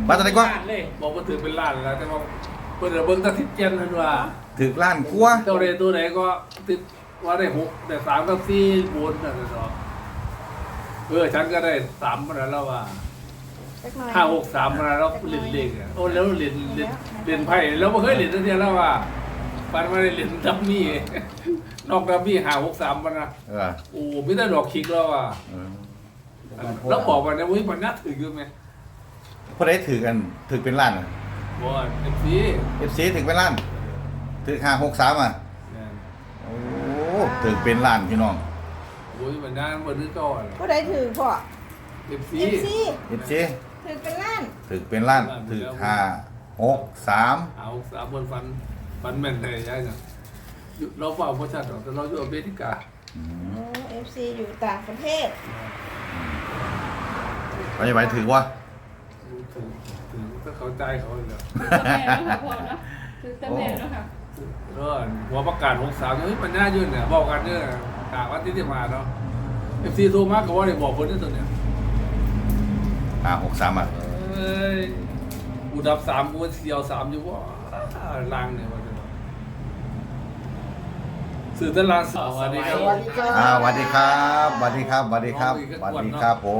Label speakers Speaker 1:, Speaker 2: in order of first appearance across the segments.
Speaker 1: บ้านอะไรกว่า
Speaker 2: บอกว่าถือเป็นล้านแล้วแต่ว่าเปิดเบิ้งตะทิดเจนนั่นว่า
Speaker 1: ถึงล้านกว่า
Speaker 2: เจ้าเรตัวไหนก็ติดว่าได้6แต่3กับ4บนนั่นเนาะฉันก็ได้3มาแล้วว่า5 6 3มาแล้วเล่นเล่นโอ้แล้วเล่นไพ่แล้วไม่เคยเล่นตั้งแต่แล้วว่าปันมาได้เล่นดับมี่นอกดับมี่5 6 3มานะโอ้ไม่ได้ดอกคิกแล้วว่าแล้วบอกว่าเนี่ยมันน่าถืออยู่ไหม
Speaker 1: พอได้ถือกันถือเป็นล้าน
Speaker 2: บ่FC
Speaker 1: ถือเป็นล้านถือ563อ่ะโอ้ถือเป็นล้านพี่น้อง
Speaker 2: โอ้ยมันน่ามันนึกก่อน
Speaker 3: ผู้ใดถือพ่อ
Speaker 2: FC
Speaker 1: FC
Speaker 3: ถือเป็นล้าน
Speaker 1: ถือเป็นล้านถือ563
Speaker 2: เอา3คนฟันแม่นได้ยังไงเราเฝ้าประชาชนแต่เราอยู่อเมริกา
Speaker 3: โอ้ FC อยู่ต่างประเทศ
Speaker 1: ไปถือว่า
Speaker 2: ถึงถ้าเขาใจเขาเลย
Speaker 4: แม่แล้วค่ะพ่อนะคือแต่แม่แล้วค่ะ
Speaker 2: หัวประกาศ63เฮ้ยมันน่ายื่นเนี่ยบอกกันเนี่ยกะว่าที่มาเนาะ FC โทรมาก็ว่าได้บอกคนนี้ตัวเนี่ย
Speaker 1: 563อ่ะ
Speaker 2: กูดับ3กูเสียว3อยู่ว่าลางเนี่ยว่าสื่อตลาดสวัสดีครับ
Speaker 3: สวัสดีครับ
Speaker 1: สวัสดีครับสวัสดีครับสวัสดีครับสวัสดีครับผม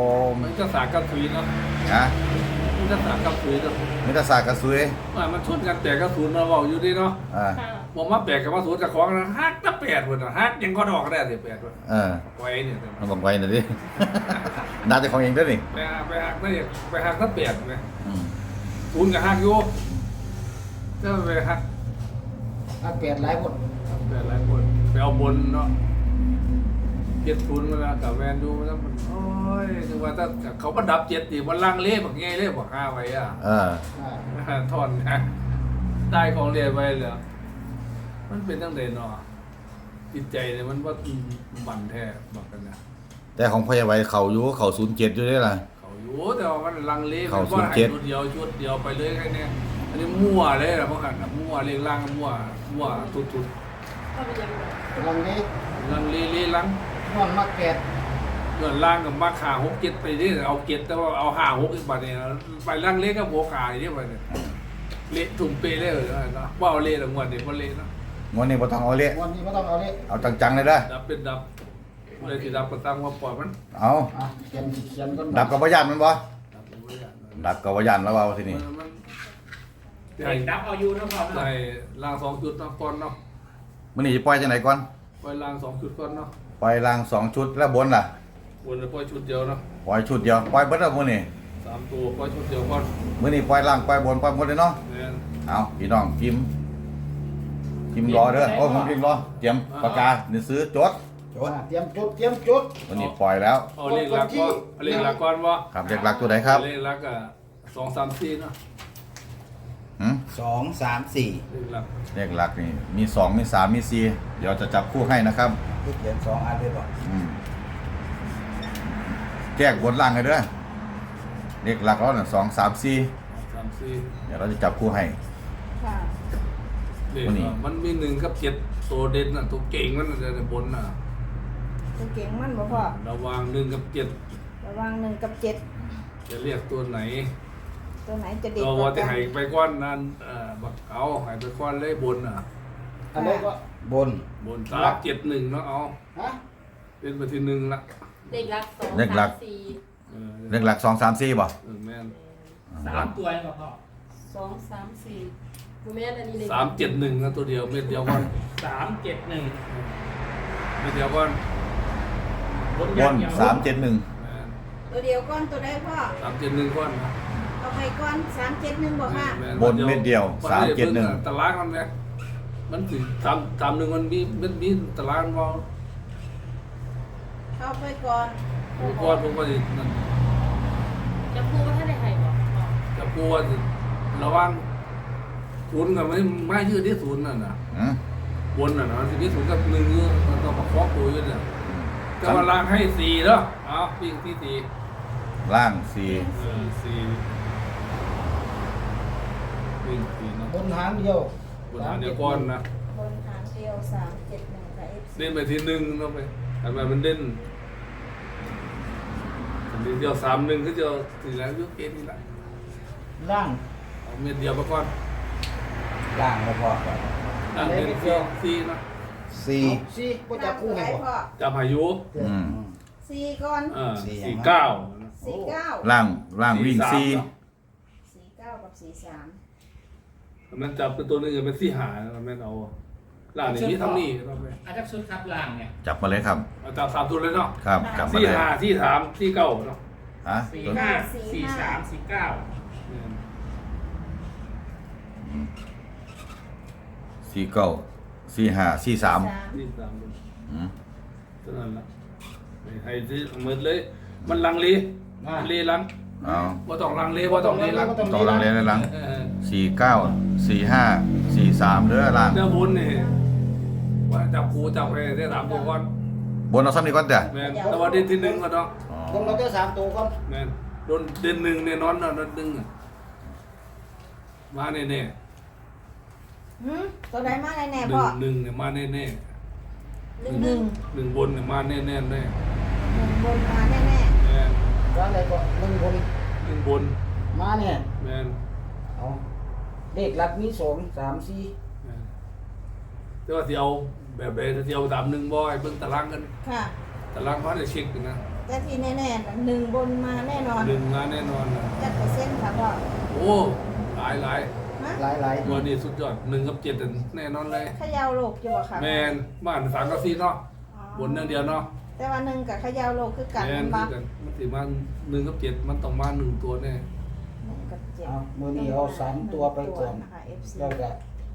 Speaker 2: มันจะสากับถุยเนาะ
Speaker 1: นะ
Speaker 2: มันจะสากับถุยเนาะ
Speaker 1: มิตรศาสตร์กระซุย
Speaker 2: มันชนกันแต่กระสุนเราบอกอยู่ดีเนาะ
Speaker 4: ค่ะ
Speaker 2: บอกมาแปดกับมาสูนกับของนะฮักตะแปดคนนะฮักยังก็ดอกได้สิ8คนไว้เนี่ย
Speaker 1: มันบอกไว้หน่อยดิ น่าจะของเองด้วยนี่
Speaker 2: ไปฮักได้ไปฮักตะแปดไหมศูนย์กับฮักอยู่ก็ไปฮัก
Speaker 5: เปลี่ยนหลายคน
Speaker 2: แต่หลายคนไปเอาบนเนาะเจ็ดศูนย์มาแล้วกับแวนดูมาแล้วมันโอ้ยถึงว่าถ้าเขาประดับ7ตีมันลังเล่แบบไงเล่บอก5ไว้อ่ะทอนนะได้ของเรียไปเหรอมันเป็นตั้งแต่เนาะจิตใจเนี่ยมันว่าบั่นแท้บอกกันนะ
Speaker 1: แต่ของพ่อใหญ่ไว้เขาอยู่เขา07อยู่ได้ล่ะ
Speaker 2: เขาอยู่แต่ว่ามันลังเล
Speaker 1: เขา
Speaker 2: มันว่าให้
Speaker 1: 07
Speaker 2: ชุดเดียวไปเลยแค่นี้อันนี้มั่วเลยนะพวกกันมั่วเรียงล่างมั่วทุด
Speaker 4: ก็เป็นยังไง
Speaker 5: ลังนี้
Speaker 2: ลังเลลัง
Speaker 5: นอนมาแกด
Speaker 2: เงินล่างกับมาขา6 7ไปนี่เอา7แต่ว่าเอา5 6อีกบาทเนี่ยไปลังเลกับหัวขาอย่างนี้ไปเนี่ยเละถุงเปเละเลยนะว่าเอาเละแต่งวดเนี่ยมันเละนะ
Speaker 1: งวดนี้บ่ต้องเอาเละ
Speaker 5: วันนี้ไม่ต้องเอาเลย
Speaker 1: เอาจังๆเลยเด้อ
Speaker 2: ดับเป็นดับเลยที่ดับก็ตั้งว่าปล่อยมัน
Speaker 1: เอา
Speaker 5: เขียนก่อน
Speaker 1: ดับกับบ่ยันมันบ่
Speaker 2: ดับเป็นไม่ได้
Speaker 1: ดับกับบ่ยันแล้วว่าทีนี้
Speaker 2: มัน
Speaker 6: ไอ้ดับเอาอยู่นะพ่อ
Speaker 2: ใส่ล่าง2 จุดเนาะก่อนเนาะ
Speaker 1: มื้อนี้สิปล่อยจังไดก่อน
Speaker 2: ปล่อยล่าง2 จุดก่อนเนาะ
Speaker 1: ปล่อยล่าง2ชุดแล้วบนล่ะ
Speaker 2: วนเลยปล่อยชุดเดียวเนาะ
Speaker 1: ปล่อยชุดเดียวปล่อยเบิดแล้วมื้อนี้
Speaker 2: 3 ตัวปล่อยชุดเดียวก่อน
Speaker 1: มื้อนี้ปล่อยล่างปล่อยบนปล่อยหมดเลยเนาะ
Speaker 2: เนี่ย
Speaker 1: เอาพี่น้องพิมพ์รอเด้อโอ้ผมพิมพ์รอเตรียมปากกานี่ซื้อจด
Speaker 5: เตรียมจุด
Speaker 1: วันนี้ปล่อยแล้ว
Speaker 2: เอาเลขหลักก็เอาเลขหลักก่อนว่า
Speaker 1: ครับเด็กหลักตัวไหนครับ
Speaker 2: เลขหลักอ่ะ2 3 4เนาะ
Speaker 1: หืม
Speaker 6: 2 3 4
Speaker 2: เลขหลัก
Speaker 1: เลขหลักนี่มี2มี3มี4เดี๋ยวจะจับคู่ให้นะครับ
Speaker 6: ลูกเขียน2อันเลยบ่
Speaker 1: อืมแยกบนล่างให้เด้อเลขหลักเราเนี่ย2 3 4
Speaker 2: 3 4
Speaker 1: เดี๋ยวเราจะจับคู่ให้
Speaker 3: ค่ะ
Speaker 2: เลข
Speaker 1: วันนี้
Speaker 2: มันมี1กับ7ตัวเด่นน่ะตัวเก่งมันน่ะในบนน่ะ
Speaker 3: ตัวเก่งมันบ่พ่อ
Speaker 2: ระหว่าง1กับ7
Speaker 3: ระวัง1กับ7
Speaker 2: จะเรียกตัวไหน
Speaker 3: ตัวไหนจะเด็ด
Speaker 2: เรา
Speaker 3: ก
Speaker 2: ว่า
Speaker 3: ว่า
Speaker 2: จะ
Speaker 3: กัน
Speaker 2: ให้ไปก้อนนั้นบักเอาให้ไปก้อนเลยบนน่ะ
Speaker 5: อันนี้ก็
Speaker 6: บน
Speaker 2: บน3 7 1เนาะเอา
Speaker 5: ฮะ
Speaker 2: เป็นไปที่1ละ
Speaker 4: เด็กรัก2
Speaker 1: เด็กรัก
Speaker 4: 3 4
Speaker 1: เลขหลัก2 3 4บ่
Speaker 2: แม่น
Speaker 6: 3 ตัวก็พ่อ
Speaker 4: 2 3 4กูแม่นอันนี้เลย
Speaker 2: 3 7 1นะตัวเดียวเม็ดเดียวก่อน
Speaker 6: 3 7 1
Speaker 2: เม็ดเดียวก่อน
Speaker 6: บน
Speaker 1: บ
Speaker 6: อย่าง
Speaker 1: น
Speaker 6: เดียว
Speaker 1: 3 7 1
Speaker 2: แม่น
Speaker 3: ตัวเดียวก้อนตัวใดพ่อ
Speaker 2: 3 7 1ก่อนนะ
Speaker 3: เอาไปก้อน371บ่ค่ะ
Speaker 1: บนเม็ดเดียว3 7 1
Speaker 2: ตารางมันเนี่ยมันถึง3 1มันมีตารางมอง
Speaker 3: เข้าไปก่อน
Speaker 2: ผมก็นั่น
Speaker 4: จะพูดว่าถ้าได้ให้บ่พ่อ
Speaker 2: จะกลัวระวังศูนย์กับไม่ยืดที่ศูนย์น่ะนะ
Speaker 1: อืม
Speaker 2: บนน่ะนะมันที่ศูนย์กับ1อยู่มันต้องประคองตัวอยู่เนี่ยก็มาล้างให้4เนาะเอาวิ่งที่4
Speaker 1: ล่าง
Speaker 2: 4วิ่ง4เนาะ
Speaker 5: บนหางเดียว
Speaker 2: บนหาเดียวก่อนนะ
Speaker 3: บนหางเดียว371กับ FC
Speaker 2: เล่นไปที่1เนาะไปทำไมมันเล่นเดียว3 1ก็จะถึงแล้วยุคเกนี่แหละ
Speaker 5: ล่าง
Speaker 2: เอาเม็ดเดียวไปก่อน
Speaker 6: ล่างก็พอ
Speaker 2: นั่งเป็นซีนะ
Speaker 1: สี่
Speaker 5: สี่ก็จะคู่
Speaker 3: ไหน
Speaker 5: ให้บ่
Speaker 3: พ่อ
Speaker 2: จับพายุ
Speaker 1: อืม
Speaker 3: สี่ก่อน
Speaker 2: 49
Speaker 3: 49
Speaker 1: ล่างวิ่งสี่
Speaker 3: 49กับ43
Speaker 2: มันจับเป็นตัวนึงเป็น4หาแม่นเอาล่างนี่มีทั้งนี้เราไป
Speaker 6: อาจจะชุดครับล่างเนี่ย
Speaker 1: จับมาเลยครับ
Speaker 2: เอาจับ3ตัวเลยเนาะ
Speaker 1: ครับจับมา
Speaker 2: 4
Speaker 1: เลย
Speaker 2: หา4 3 4 9เนาะ
Speaker 1: ฮะ
Speaker 6: 45 43 49
Speaker 1: สี่เก้าสี่ห้าสี่สาม
Speaker 2: นี่3ตัว
Speaker 1: อืม
Speaker 2: เท่านั้นละให้ที่เหมือนเลย มันลังเลลัง
Speaker 1: เอา
Speaker 2: บ่ต้องลังเลบ่ต้องเลลัง
Speaker 1: ต่อหลังเลยหลัง
Speaker 2: เออ
Speaker 1: สี่เก้าสี่ห้าสี่สามเด้อล่าง
Speaker 2: เนื้อบุญนี่ว่าจับครูจับไปได้3ตัวก่อน
Speaker 1: บนเอาซ้ำนี่ก่อนจ้ะ
Speaker 2: แม่นแต่ว่าเด่นที่1ก็ต้อง
Speaker 1: อ๋อ
Speaker 5: ลงเราได้3ตัวก่อน
Speaker 2: แม่นโดนเด่น1เนี่ยนอนนอน1อะมาแน่
Speaker 3: ตัวใดมาแน่
Speaker 2: ๆ
Speaker 3: ๆพ่อ
Speaker 2: 1เนี่ยมาแน่
Speaker 3: หนึ่ง
Speaker 2: ๆ1บนเนี่ยมาแน่ๆแน่
Speaker 3: หนึ่งบนมาแน่
Speaker 2: แม่น
Speaker 5: ว่าอะไรก็1บน
Speaker 2: 1บน
Speaker 5: มาเนี่ย
Speaker 2: แม่น
Speaker 5: เอาเลขหลักมี2 3 4
Speaker 2: แม่นแต่ว่าสิเอาแบบใดถ้าสิเอาตาม1บ่ให้เบิ่งตารางกัน
Speaker 3: ๆค่ะ
Speaker 2: ตารางเขาได้เช็คกันนะ
Speaker 3: แต่ที่แน่ๆน่ะหนึ่งบนมาแน่นอน
Speaker 2: 1มาแน่นอนนะ
Speaker 3: จัดเปอร์เซ็นต์ค่ะพ่อ
Speaker 2: โอ้หลาย
Speaker 3: ฮะ
Speaker 5: หลาย
Speaker 2: ตัวนี้สุดยอด1กับ7นั่นแน่นอนเลย
Speaker 3: เขยาวโลกอยู่บ่ค่ะ
Speaker 2: แม่นบ้าน3กับ4เนาะ
Speaker 3: อ๋อบ
Speaker 2: นอย่างเดียวเนาะ
Speaker 3: แต่ว่าหนึ่งกับเขยาวโลกคือกัน
Speaker 2: แม่น
Speaker 3: บั
Speaker 2: คือก กันมันสิมา1กับ7มันต้องมา1ตัวแน่
Speaker 3: หนึ่งกับเจ็ด
Speaker 5: เอามื้อนี้เอา3ตัวไปก่อน
Speaker 3: นะคะ FC
Speaker 5: แล้วก็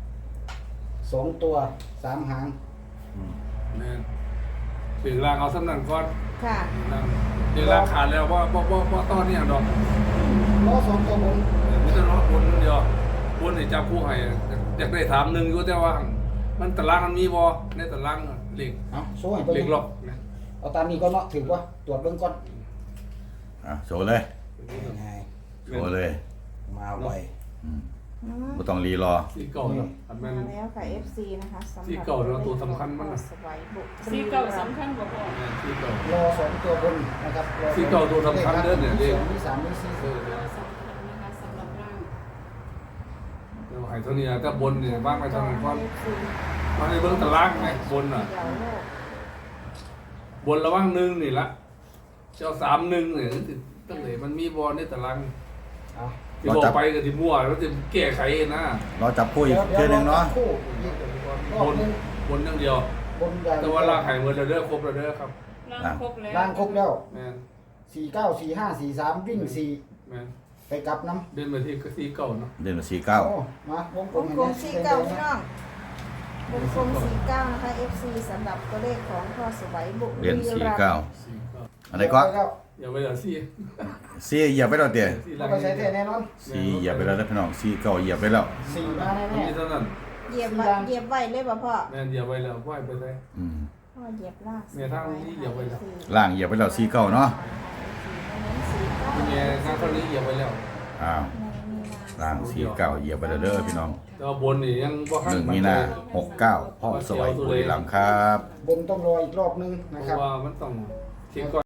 Speaker 5: 2ตัว3หาง
Speaker 2: แม่นถึงรางเอาสำนักก่อน
Speaker 3: ค่ะ
Speaker 2: นั่งเดี๋ยวรางขาดแล้วว่าตอนนี้ดอก
Speaker 5: รอ2ตัวบน
Speaker 2: ไม่ต้องรอบนเดียวบนนี่จับคู่ให้อยากได้ถาม1อยู่แต่ว่ามันตารางมันมีบ่ในตารางเลข
Speaker 5: เอาโซ่ให้เบิ่
Speaker 2: เลข
Speaker 5: ง
Speaker 2: ล็อกนะ
Speaker 5: เอาตามนี้ก่อนเนาะถือว่าตรวจเบิ่งก่อน
Speaker 1: อ่ะโชว์เลย
Speaker 6: ง่าย
Speaker 1: โชว์เลย
Speaker 6: มาไว
Speaker 1: อืม
Speaker 3: อืม
Speaker 1: บ่ต้องรีรอ
Speaker 2: สีเก่าเนาะอันแม่
Speaker 3: มาน แล้วค่ะ FC นะคะสำหรับ
Speaker 2: ที่เก่าแล้วตัวสำคัญมากนะ
Speaker 3: สวัยบุก
Speaker 4: สีเก่าสำคัญกว่าพ่อ
Speaker 2: สีเก่าร
Speaker 5: อ2ตัวบนนะครับรอ
Speaker 2: สีเก่าตัวสำคัญเด้อเนี่ยเลข
Speaker 5: มี3มี4
Speaker 2: เออ
Speaker 4: เราสำคัญนะคะสำหรับร่าง
Speaker 2: เดี๋ยวให้เท่านี้ถ้าบนเนี่ยบ้างไปทางนั้นก่อน
Speaker 3: FC
Speaker 2: มาในเบื้องตารางไงบนอ่ะ
Speaker 3: เขยาวโลก
Speaker 2: บนระว่าง1นี่ละเจ้า3-1เนี่ยตั้งแต่มันมีบอลในตาราง
Speaker 5: เอา
Speaker 2: ที่บอกไปก็ที่มั่วแล้วจะแก้ไขนะ
Speaker 1: รอจับคู่อีกเทื่อนึงเนาะ
Speaker 5: คู่รอ
Speaker 2: บบ น
Speaker 5: นึง
Speaker 2: บนอย่างเดียว
Speaker 5: บนอย่าง
Speaker 2: แต่ว่าล่างไข่เมื่อเด้อครบแล้วเด้อครับ
Speaker 4: ร่างครบแล้ว
Speaker 5: ล่างครบแล้ว
Speaker 2: แม่น
Speaker 5: 49 45 43วิ่ง
Speaker 2: แม่น
Speaker 5: 4ไปกลับน้ำ
Speaker 2: เดินมาที่สีเก่าเนาะ
Speaker 1: เดือนสี่เก้า
Speaker 5: โอ้มาวงก
Speaker 3: ว
Speaker 5: ลม
Speaker 3: ง
Speaker 5: ให้
Speaker 3: กลม
Speaker 5: นะ
Speaker 3: สีเก้าพี่น้องวงกลมสีเก้านะคะ FC สำหรับตัวเลขของพ่อสวัยบุก
Speaker 1: เดือนสี่
Speaker 3: รัมย์
Speaker 1: เก้า
Speaker 2: สีเก่า
Speaker 1: อะไรก็
Speaker 5: แล้ว
Speaker 2: อย่าไปเอาสี
Speaker 1: สี่เหยียบไปแล้วเดี๋ยว
Speaker 2: สี
Speaker 5: เอาไปใช้แท้แน่นอน
Speaker 1: สี่เหยียบไปแล้วนะพี่น้องสี่เก้าเหยียบไปแล้ว
Speaker 5: 4มา
Speaker 2: มัน
Speaker 5: แน่
Speaker 2: มีเท่านั้น
Speaker 3: เหยียบไว้เหยียบไว้เลยป่ะพ่อ
Speaker 2: แม่นอย่าไปแล้วไหวไปเลย
Speaker 1: อืม
Speaker 3: พ่อเหยียบลาก
Speaker 2: เนี่ยทางนี้เหยียบไว้แล้ว
Speaker 1: ล่างเหยียบไปแล้วสี่เก้าเนาะ
Speaker 2: ที่เนี่ยงานเท่านี้เหยียบไปแล้ว
Speaker 1: อ้าวล่างสี่เก้าเหยียบไปแล้วเด้อพี่น้อง
Speaker 2: แต่ว่าบนนี่ยังบ่
Speaker 1: 1 มีนา69พ่อสวัยบุรีรัมย์ครับ
Speaker 5: บนต้องรออีกรอบนึง
Speaker 2: เพ
Speaker 5: นะครับ
Speaker 2: ราะว่ามันต้องเช็คก่อน